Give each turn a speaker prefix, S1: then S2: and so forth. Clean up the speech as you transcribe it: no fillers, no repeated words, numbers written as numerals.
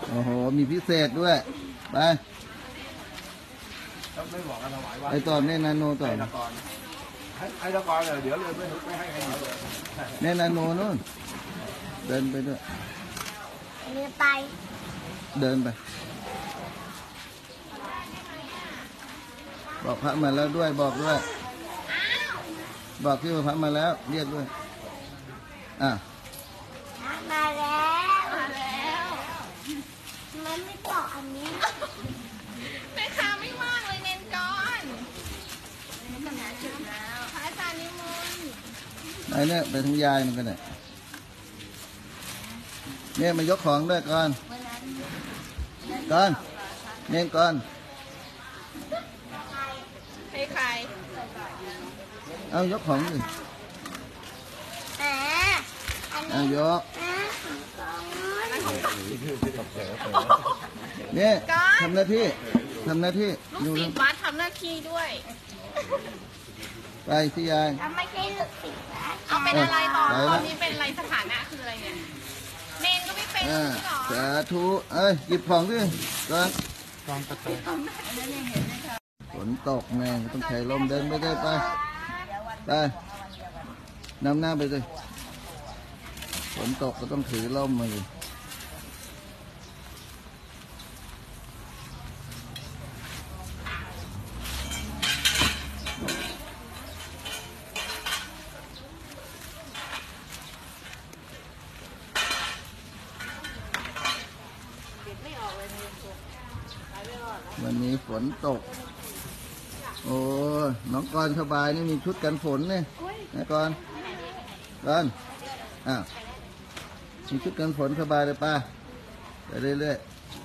S1: โอ้โหมีพิเศษด้วยไป
S2: ไม่บอกกันถวายว่า
S1: ไอตอนเน่นาโนต่อ
S2: ไอ้ตะกอนเดี๋ยวเลยไม่ให้ใครเลย
S1: เน่นาโนนู่นเดินไปด้วย
S3: ไป
S1: เดินไปบอกพระมาแล้วด้วยบอกด้วยบอกที่ว่าพระมาแล้วเรียกด้วย
S3: มาแล้วมันไม่บอกอันนี้
S4: แม่ค้าไม่ว่างเลยเน้นก่อนพระอาจารย์นิมนต์
S1: ไหนเนี่ยไปทั้งยายมันกันเนี่ยมายกของด้วยก่อนเน้นก่อน
S4: ให้ใคร
S1: เอายกของดิเอายกเนี่ยทำหน้าที่
S4: ลูกศิษย์วัดทำหน้าที่ด้วย
S1: ไปที่ยาย
S3: ไม่ใช่ลูกศิษย์
S4: เอาเป็นอะไรตอนนี้เป็นอะไรสถานะคืออะไรเนี่ยเนนก็ไม่เป็นหรอ
S1: สาธุหยิบของดิก่อนฝนตกแม่ต้องใช้ลมเดินไปได้ไปนำหน้าไปเลยฝนตกก็ต้องถือล่มมาเลยวันนี้ฝนตกโอ้น้องกรสบายนี่มีชุดกันฝนเนี่ยนะกรมีชุดกันฝนสบายเลยป้าไปเรื่อยๆ